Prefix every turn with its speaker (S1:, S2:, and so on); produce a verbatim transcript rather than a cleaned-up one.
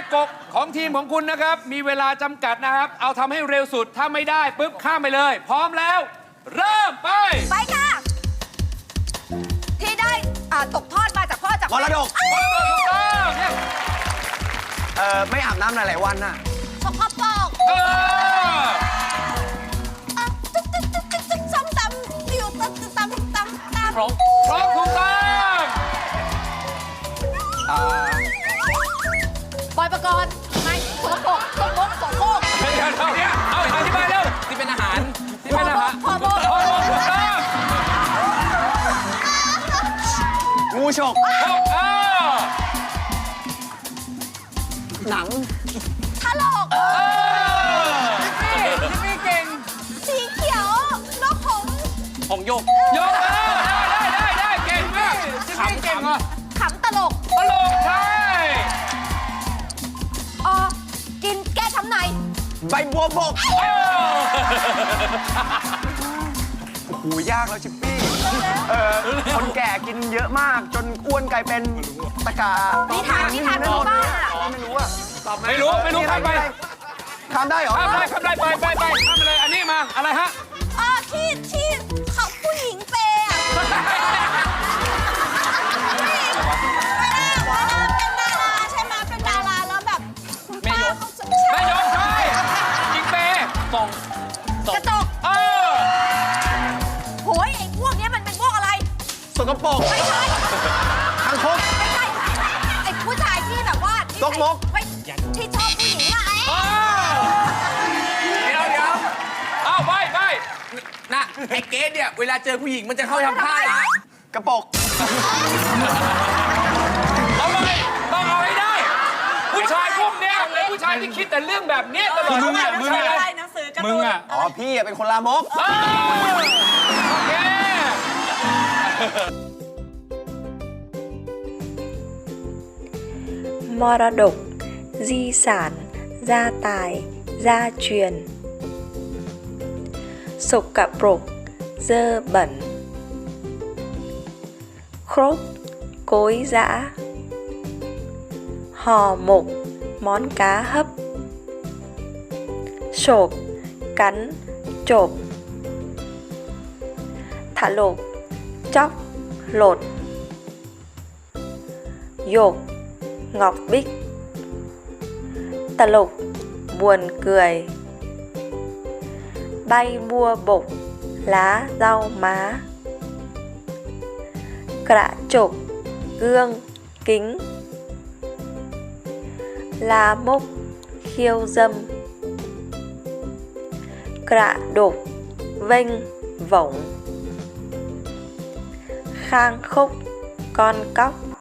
S1: กฎของทีมของคุณนะครับมีเวลาจำกัดนะครับเอาทำให้เร็วสุดถ้าไม่ได้ปุ๊บข้ามไปเลย พร้อมแล้ว เริ่มไป
S2: ไปค่ะที่ได้ตกทอดมาจากพ่อจาก
S3: มรดก
S1: ถูกต้องเนี่ย
S3: เอ่อไม่อาบน้ำหลายๆวันน่ะ
S2: สกปรก
S1: เออ
S2: ตึ๊กตึ๊กตึ๊กตึ๊กตึ๊กส้มตำอยู่ตำตำตำตำ
S1: ครบครบถูกต้อง
S3: อ่า
S2: บอยประกรณ์ไม่สกปรกสกปรกสกปรก
S1: เดี๋ยวเดี๋ยวเนี่ยเอาอธิบายเร็ว
S4: ที่เป็นอาหาร
S1: ที่เป็นอาหาร
S2: พอโบ
S1: พอโบถูกต้อง
S3: งูฉก
S1: ถูกเออ
S3: หนัง
S2: ถลก
S1: เออ
S4: นี่นี่เก่ง
S2: สีเขียวนกหงส์
S4: หงโยก
S1: ยกเออได้ได้ได้ได้เก่งมาก
S4: ขำเก่งอ่ะ
S2: ขำตลก
S1: ตลกใช่
S2: ออกินแก้ช้ำใน
S3: ใบบัวบก
S1: เออ
S3: โอ้โหยากแล้วชิปปี้เออคนแก่กินเยอะมากจนอ้วนกลายเป็นตะกา
S2: นิทานนิทานพื้นบ้านอะ
S3: ไม่รู้อะ
S1: ไม่รู้ไม่รู้ข้ามไป
S3: ข้ามได้เหรอ
S1: ข้ามได้ข้ามได้ไปไปไปข้ามไปเลยอันนี้มาอะไรฮะ
S2: เออที่ที่เขาผู้หญิงเปย์อะผู้หญิงเวลาเวลาเป็นดาราใช่ไหมเป็นดาราแล้วแบบคุณป้าเขาจะ
S1: แม่ยกใช่ยิงเปย์
S4: ส่ง
S2: กระจก
S1: เออ
S2: โหยไอ้พวกเนี้ยมันเป็นพวกอะไร
S3: สกปรก
S2: ไม่ใช่
S3: คางคก
S2: ไม่ใช่ไอ้ผู้ชายที่แบบว่า
S3: ตกมก
S2: ไม่ที่ชอบผู้หญิงอะไอ้
S1: เออ
S4: เดี๋ยวเดี๋ยว
S1: เอาไปไป
S4: นะไอ้เกสเนี่ยเวลาเจอผู้หญิงมันจะเข้าทำท่านะ
S3: กระปก
S1: เอาไปต้องเอาให้ได้ ผู้ชายพวกเนี้ยเป็นผู้ชายที่คิดแต่เรื่องแบบนี้ตลอด
S4: มึงอะมึงอะ
S2: อะไรหนังสือการ์
S4: มึ
S2: ตู
S4: ง
S2: น
S4: อ่ะ
S3: อ๋อพี่อะเป็นคนลามก
S1: เออโอเค
S5: มรดก di sản, gia tài, gia truyền. Sộc cặp rục, dơ bẩn. Khốp, cối giã. Hò mục, món cá hấp. Sộp, cắn, chộp. Thả lột, chóc, lột. Dột, ngọc bích. Tà lục, buồn cười. Bay bua bục, lá rau má. Cạ chụp, gương, kính. La múc, khiêu dâm. Cạ đục, vênh, vổng. Khang khúc, con cóc.